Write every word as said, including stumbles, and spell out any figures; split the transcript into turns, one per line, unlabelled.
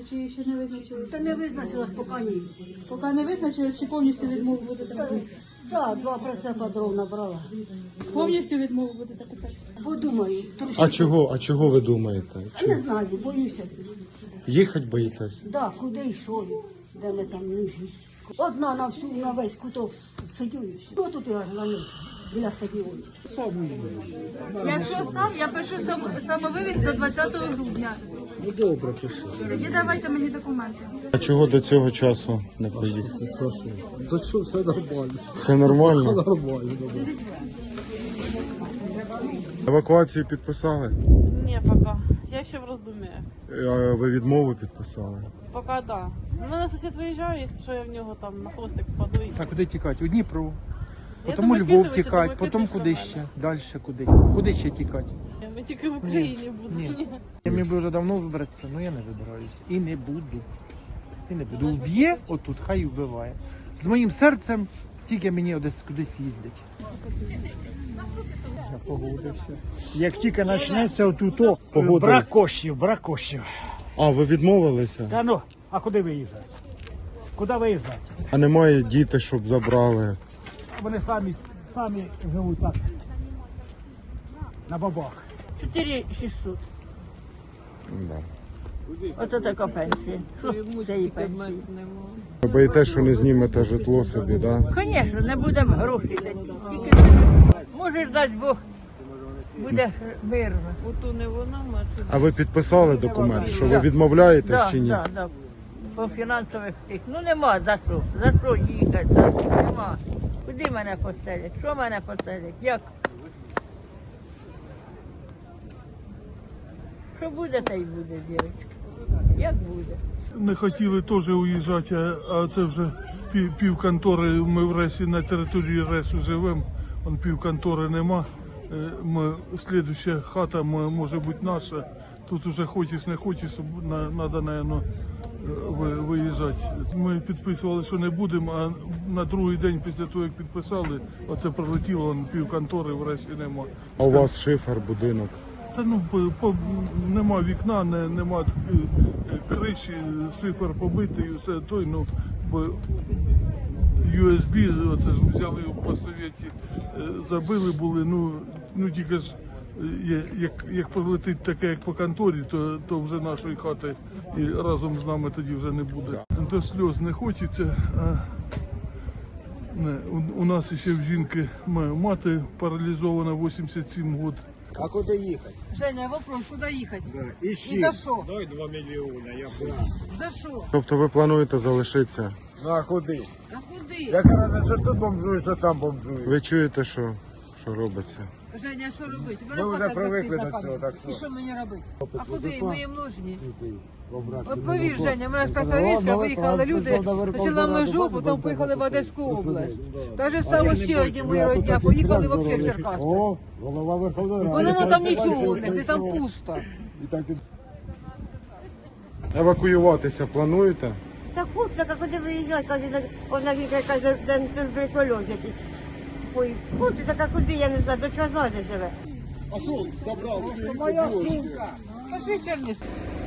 чи ще не визначилися?
Та не визначилась поки ні.
Поки не визначились, чи повністю відмову будете писати?
Так, два процента дров набрала.
Повністю відмову будете писати?
Подумаю. трохи.
А чого, а чого ви думаєте?
А не знаю, боюся.
Їхати боїтесь?
Да, куди йшов, де ми там нужні. Одна на всю, на весь куток сидю і все. Хто тут я жила біля стадіону?
Якщо сам, я пишу сам, самовивіз до двадцятого грудня.
Ну добре, пиши.
Тоді давайте мені документи.
А чого до цього часу не поїхали?
Що, що? До цього все нормально.
Все нормально?
Нормально, добре.
Евакуацію підписали?
Не, пока. Я еще в раздумье.
А ви відмову підписали?
Пока да. У мене сусід виїжджає, якщо що я в нього там на хвостик впаду. І...
Так, куди тікати? У Дніпро.
Я
Потім у
думаю,
Львов
Китовича,
тікати,
думаю,
потім
Китовича
куди
нормально.
ще? Далі куди? Куди ще тікати?
Ми тільки в Україні будемо.
Ні. Я міг би вже давно вибратися, але я не вибираюся. І не буду. І не буду. Вб'є отут, хай і вбиває. З моїм серцем тільки мені десь кудись їздить.
Я погодився. Як тільки почнеться отуто,
Погодились.
брак коштів, брак коштів.
А, ви відмовилися?
Та ну, а куди виїжджати? Куди виїжджати?
А немає діти, щоб забрали?
Вони самі, самі живуть так, на бабах.
чотири шістсот.
Да.
Оце така пенсія. Що це її пенсія?
Ви боїтесь, що не знімете житло собі, так? Да?
Звісно, не будемо грошей. Тільки може дасть Бог, буде мирно.
Ото не вона, мати.
А ви підписали документ, що ви відмовляєтесь
Да,
чи ні?
да, да. По фінансових тих. Ну нема за що. За що їхати? За що? Нема. Куди мене поселять? Що мене поселять? Як? Що буде, та й буде, дівчатка. Як буде?
Не хотіли теж уїжджати, а, а це вже пів, пів контори, ми в Ресі, на території Ресу живемо, он пів контори нема. Е, Ми, слідуща хата м- може бути наша, тут вже хочеш не хочеш, треба, мабуть, виїжджати. Ми підписували, що не будемо, а на другий день після того, як підписали, оце прилетіло, он пів контори в Ресі нема.
А у вас шифер, будинок?
Та ну по, по, нема вікна, не, нема е, е, криші, шифер побитий, і все той, ну бо ю ес бі, оце ж взяли по совєті, е, забили були, ну ну тільки ж е, є- як, як прилетить таке, як по конторі, то, то вже нашої хати і разом з нами тоді вже не буде. До сльоз не хочеться. А, не, у, у нас ще в жінки ма- мати паралізована, вісімдесят сім років.
А куди їхати?
Женя, вопрос, куда ехать?
І
И
ще.
за что?
Дай два мільйони, я буду.
За что?
Тобто ви плануєте залишитися?
Ну а куди?
А куди?
Яка разниця, що тут бомжуєш, що там бомжуєш?
Ви чуєте, що, що робиться?
Женя, що робити?
Ми вже привикли до цього, так
І
що?
що мені робити? А куди? Ми їм нужні.
От
От повір, Женя, мене з Красавицька виїхали люди, почали межу, потім поїхали в Одеську область. Та ж саме ще одні мої родня, поїхали взагалі в Черкаси.
голова Верховної Ради.
Бо нема там нічого у них, і там пусто.
Евакуюватися плануєте?
Та хлопця, а куди виїжджати? Каже, вона каже, де це прикольок якийсь. Ой, хлопці, так а куди, я не знаю, до чого ззаді живе.
Пошли, Черниш.